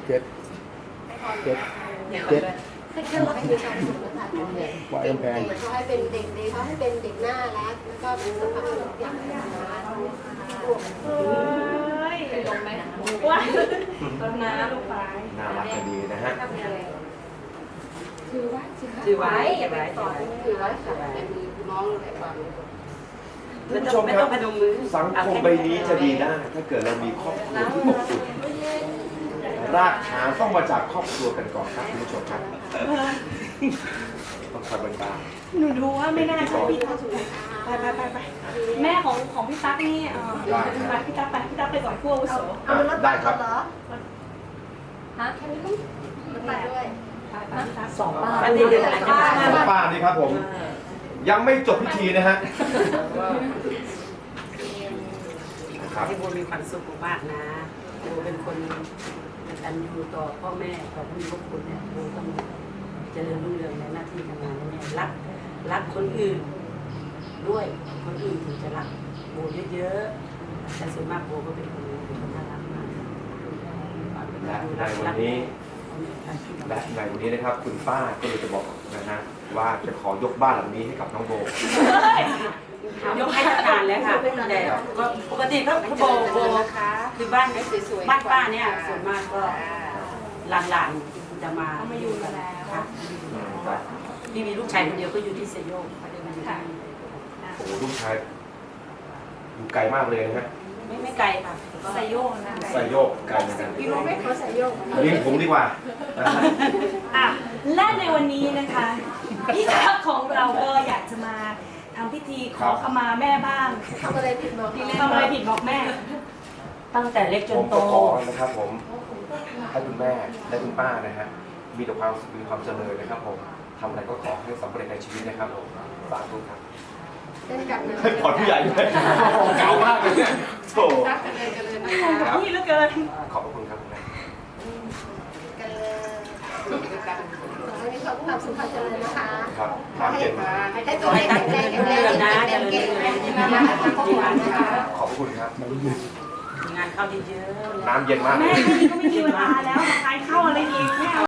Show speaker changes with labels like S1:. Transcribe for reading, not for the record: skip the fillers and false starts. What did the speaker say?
S1: เจ็ดเจ็ดเจ็ด
S2: ให้แค่รับมีความสุขนะคะ
S1: วายกำแพง
S2: เขาให้เป็นเด็กดีเขาให้เป็นเด็กน่ารักแล้วก็เป็นสภาพทุกอย่างนะคะเป็นลมไหมว้าต้นน้ำลูกไฟ
S3: น่ารักจะดีนะฮะ
S2: ถือไว้ อย่าไปต่อถือไว้ค่ะเป็นน้องอะไรบ้าง
S3: ท่านผู้ชมครับสังคมใบนี้จะดีได้ถ้าเกิดเรามีครอบครัวที่อบอุ่นรากฐานต้องมาจากครอบครัวกันก่อนครับคุณผู้ชมครับต้องคอยบันดาล
S4: หนูดูว่าไม่น่าใช่พี่ตั๊กไปแม่ของพี่ตั๊กนี่ไปพี่ตั๊กไปก่อนพวกอาวุโส
S2: เอารถ
S3: ได้ครับ
S2: เหรอฮะแค่นี้ก็ไปด้วย
S4: สองป้า
S2: อันนี้เดี๋ยวอาจจะมา
S3: ป้านี่ครับผม ยังไม่จบพิธีนะฮะครับ
S5: ให้โบมีความสุขมากนะโบเป็นคนกตัญญูต่อพ่อแม่ต่อผู้มีพระคุณเนี่ยโบต้องเจริญรุ่งเรืองในหน้าที่การงานเนี่ยรักคนอื่นด้วยคนอื่นถึงจะรักโบเยอะๆแต่ส่วนมากโบก็เป็นคนน่ารักมาก
S3: และในวันนี้นะครับ คุณป้าก็เลยจะบอกนะฮะว่าจะขอยกบ้านหลังนี้ให้กับน้องโบ
S5: ยกให้ทำงานแล้วค่ะแต่ก็ปกติก็โบคือบ้านป้าเนี่ยส่วนมากก็หลานจะมาอยู่กันค่ะพี่มีลูกชายคนเดียวก็อยู่ที่เซโยกไม่ได้มาอยู่ที่
S3: โอ้โหลูกชายอยู่ไกลมากเลยนะฮะ
S5: ไม่ไกลค่ะ
S4: ใส่โยกนะ
S3: ใส่โยกไกลเหมือนกัน
S2: พี่รู้ไหมเขาใส่โยก
S3: เลี้ยงผมดีกว่านะฮะ
S4: อ่ะและในวันนี้นะคะพี่ตั๊กของเราก็อยากจะมาทำพิธีขอขมาแม่บ้าง
S2: ทำอะไรผิดบอก
S4: ทำอะไรผิดบอกแม่
S5: ตั้งแต่เล็กจ
S3: ผ
S5: น
S3: ม
S5: โต
S3: ก็ขอนะครับผมให้คุณแม่และคุณป้านะฮะมีแต่ความสุขมีความเจริญนะครับผมทำอะไรก็ขอให้สำเร็จในชีวิตนะครับผมสาธุครับ
S2: เล่นกันนะ
S3: ให้พรผู้ใหญ่ด้วยเก่ามากเลยเนี่ยโถ
S2: รักกันเลยนะคะ
S4: พี่เหลือเกิน
S3: ขอบพระคุณครับคุณแม่
S2: กันเลยกันวันนี้ขอบคุณความสุขความเจริญนะคะ
S3: ครับน้ำเย็น
S2: ให้ตัวให้แข็งแรงแข็งแรงเก่งนะคะขอบคุณนะคะ
S3: ขอบพระคุณครับ
S5: งานเข้าเยอะๆ
S3: น้ำเย็นมากเล
S4: แม่
S3: ย
S4: แค่นี้ก็ไม่มีเวลาแล้วมาทานข้าวอะไรอีกแม่